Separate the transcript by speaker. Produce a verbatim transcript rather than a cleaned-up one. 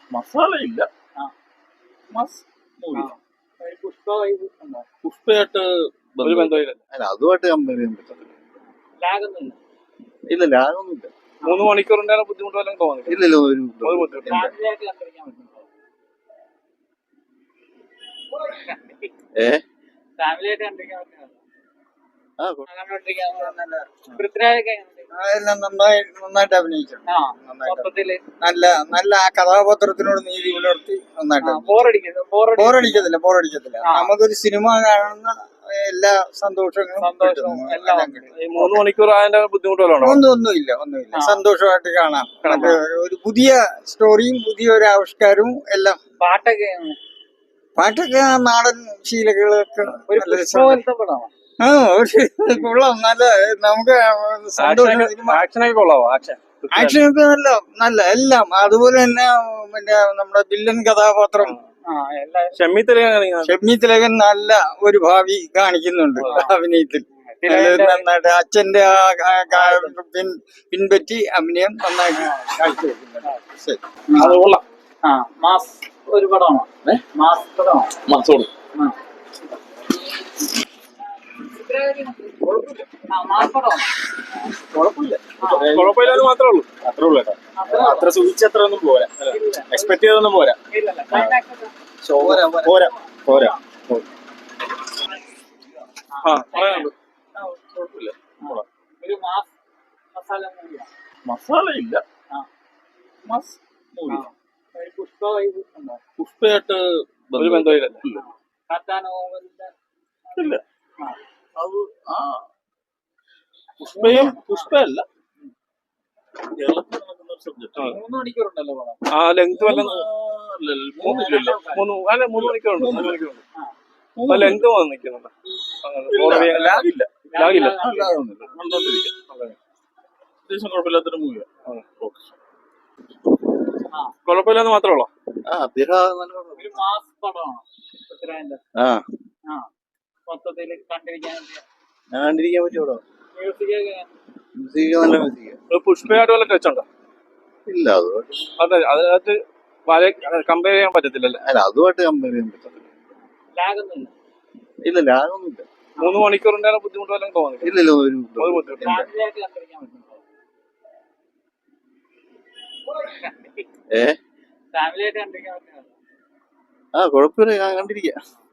Speaker 1: മസാല ഇല്ല.
Speaker 2: ആ.
Speaker 1: മസ് മൂവി
Speaker 2: ആ. ഒരു പുഷ്പ വൈബ് ഉണ്ടോ?
Speaker 1: പുഷ്പയായിട്ട് ഒരു ബന്ധമില്ല.
Speaker 3: അല്ല അതുമായിട്ട് കമ്പയർ ചെയ്യാൻ പറ്റത്തില്ല.
Speaker 2: ലാഗ് ഒന്നുമില്ല.
Speaker 3: ഇല്ല ലാഗൊന്നും ഇല്ല.
Speaker 1: മൂന്ന് മണിക്കൂറിന്റെ ബുദ്ധിമുട്ട് വല്ലതും തോന്നില്ല.
Speaker 3: ഇല്ലല്ലോ ഒരു
Speaker 1: ഒരു ബുദ്ധിമുട്ടില്ല.
Speaker 2: ഫാമിലി ആയിട്ട് കണ്ടിരിക്കാൻ പറ്റുന്നുണ്ടോ?
Speaker 3: ഏ
Speaker 2: ഫാമിലി ആയിട്ട് കണ്ടിരിക്കാൻ പറ്റുന്നുണ്ടോ?
Speaker 3: ആ
Speaker 2: കണ്ടോണ്ടിരിക്കാൻ നല്ല പൃഥ്വിരാജൊക്കെ എങ്ങനെയുണ്ട്?
Speaker 4: അതെല്ലാം നന്നായി നന്നായിട്ട് അഭിനയിച്ചു.
Speaker 2: ആ,
Speaker 4: നന്നായിട്ട്
Speaker 2: മൊത്തത്തില്
Speaker 4: നല്ല നല്ല ആ കഥാപാത്രത്തിനോട് നീതി പുലർത്തി നന്നായിട്ട്
Speaker 2: ബോറടിക്കുന്നു.
Speaker 4: ബോറടിക്കത്തില്ല ബോറടിക്കത്തില്ല
Speaker 2: ആ.
Speaker 4: നമുക്കൊരു സിനിമ കാണുന്ന എല്ലാ സന്തോഷങ്ങളും
Speaker 2: സന്തോഷവും
Speaker 4: കിട്ടുന്നു.
Speaker 2: എല്ലാം
Speaker 4: എല്ലാം
Speaker 2: ഉണ്ട്.
Speaker 4: കിട്ടും.
Speaker 1: ഈ മൂന്ന് മണിക്കൂർ അതിന്റെ ബുദ്ധിമുട്ട് വല്ലതും ഉണ്ടോ?
Speaker 4: ഒന്നും ഒന്നുമില്ല ഒന്നുമില്ല
Speaker 2: ആ.
Speaker 4: സന്തോഷമായിട്ട് കാണാം.
Speaker 2: കാണാം.
Speaker 4: മറ്റേ ഒരു പുതിയ സ്റ്റോറിയും പുതിയ ഒരു ആവിഷ്കാരവും എല്ലാം.
Speaker 2: പാട്ടൊക്കെ എങ്ങനെ?
Speaker 4: പാട്ടൊക്കെ ആ നാടൻ ശീലങ്ങളൊക്കെ
Speaker 2: ഒരു
Speaker 4: നല്ല
Speaker 2: പുഷ്പ
Speaker 4: രസമുണ്ട്.
Speaker 2: പോലത്തെ പടമാണ്.
Speaker 4: ആ ഒരു കൊള്ളാം നല്ല നമുക്ക് സന്തോഷം.
Speaker 1: ആക്ഷനൊക്കെ കൊള്ളാവോ? ആക്ഷൻ
Speaker 4: ആക്ഷനൊക്കെ നല്ല നല്ല എല്ലാം അതുപോലെ തന്നെ പിന്നെ നമ്മുടെ വില്ലൻ കഥാപാത്രം
Speaker 2: ആ, എല്ലാ
Speaker 1: ഷമ്മി തിലകൻ
Speaker 4: ഷെമ്മി തിലകൻ നല്ല ഒരു ഭാവി കാണിക്കുന്നുണ്ട് അഭിനയത്തിൽ.
Speaker 2: തിലകന്റെ
Speaker 4: നന്നായിട്ട് അച്ഛന്റെ ആ ആ- ആ പിൻ- പിൻപറ്റി അഭിനയം നന്നായിട്ട് കാഴ്ചവെക്കുന്നുണ്ട്. ശരി.
Speaker 1: അത് കൊള്ളാം.
Speaker 2: ആ മാസ് ഒരു പടമാണോ? മാസ് പടമാണോ?
Speaker 1: മസോട്
Speaker 2: ആ. ആ, മാസ് പടമാണോ?
Speaker 1: കുഴപ്പമില്ല. കുഴപ്പമില്ലാന്ന് മാത്രമേ ഉള്ളൂ. അത്രേ ഉള്ളൂ കേട്ടോ.
Speaker 2: അത്രേ
Speaker 1: അത്ര സൂചിച്ച അത്ര ഒന്നും പോരാ.
Speaker 2: ഇല്ല.
Speaker 1: എക്സ്പെക്ട് ചെയ്തൊന്നും പോരാ.
Speaker 2: ഇല്ലല്ല. Climax ഒക്കെ?
Speaker 1: പോരാ പോരാ പോരാ. ആ പറയാനുണ്ട്.
Speaker 2: ആ,
Speaker 1: കുഴപ്പമില്ല.
Speaker 2: ആ. ഒരു മാസ് മസാല മൂവിയാണ്.
Speaker 1: മസാല ഇല്ല.
Speaker 2: ആ.
Speaker 1: മസ് മൂവി
Speaker 2: ആ. ഒരു പുഷ്പ വൈബ് ഉണ്ടോ?
Speaker 1: പുഷ്പയായിട്ട് ഒരു ബന്ധമില്ല.
Speaker 2: കത്താനോവലിന്റെ
Speaker 1: ഇല്ല.
Speaker 2: ആ.
Speaker 1: അത് ആ പുഷ്പയും പുഷ്പയല്ല കേരളത്തിൽ നടക്കുന്ന ഒരു സബ്ജക്ട്.
Speaker 2: മൂന്ന് മണിക്കൂറുണ്ടല്ലോ പടം.
Speaker 1: ആ ലെങ്ത് വല്ല മൂന്നില്ലല്ലോ. മൂന്ന് അല്ല മൂന്ന് മണിക്കൂറുണ്ട്. മൂന്ന് മണിക്കൂറുണ്ട്.
Speaker 2: ആ.
Speaker 1: ലെങ്ത് വന്ന് നിൽക്കുന്നുണ്ട്. ലാഗില്ല. ലാഗില്ല.
Speaker 3: ലാഗൊന്നുമില്ല.
Speaker 1: കണ്ടോണ്ടിരിക്കാം.
Speaker 3: അത്യാവശ്യം കുഴപ്പമില്ലാത്തൊരു മൂവിയാണ്.
Speaker 2: ആ.
Speaker 1: കുഴപ്പമില്ലാന്ന് മാത്രമേ ഉള്ളൂ.
Speaker 3: ആ അദ്ദേഹം നല്ല
Speaker 2: ഒരു മാസ് പടമാണോ പൃഥ്വിരാജിന്റെ?
Speaker 3: ആ
Speaker 2: ആ. മൊത്തത്തില് കണ്ടിരിക്കാൻ
Speaker 3: ഞാൻ കണ്ടിരിക്കാൻ പറ്റുമോ?
Speaker 2: മ്യൂസിക് ഒക്കെ
Speaker 3: മ്യൂസിക് നല്ല മ്യൂസിക്.
Speaker 1: പുഷ്പയായിട്ട് വല്ല ടച്ച് ഉണ്ടോ?
Speaker 3: ഇല്ല അതുമായിട്ട്
Speaker 1: അതെ അതിനകത്ത് കമ്പയർ ചെയ്യാൻ പറ്റത്തില്ലല്ലോ.
Speaker 3: അല്ല അതുമായിട്ട് കമ്പയർ ചെയ്യാൻ പറ്റത്തില്ല.
Speaker 2: ലാഗ് ഒന്നുമില്ല.
Speaker 3: ഇല്ല ലാഗൊന്നും ഇല്ല.
Speaker 1: മൂന്ന് മണിക്കൂറിന്റെ ബുദ്ധിമുട്ട് വല്ലതും തോന്നില്ല.
Speaker 3: ഇല്ലല്ലോ ഒരു
Speaker 1: ഒരു ബുദ്ധിമുട്ട്.
Speaker 2: ഫാമിലി ആയിട്ട് കണ്ടിരിക്കാൻ പറ്റുന്നുണ്ടോ?
Speaker 3: ഏ
Speaker 2: ഫാമിലി ആയിട്ട് കണ്ടിരിക്കാൻ പറ്റുന്നുണ്ടോ?
Speaker 3: ആ കുഴപ്പമില്ല ഞാൻ കണ്ടിരിക്കാം.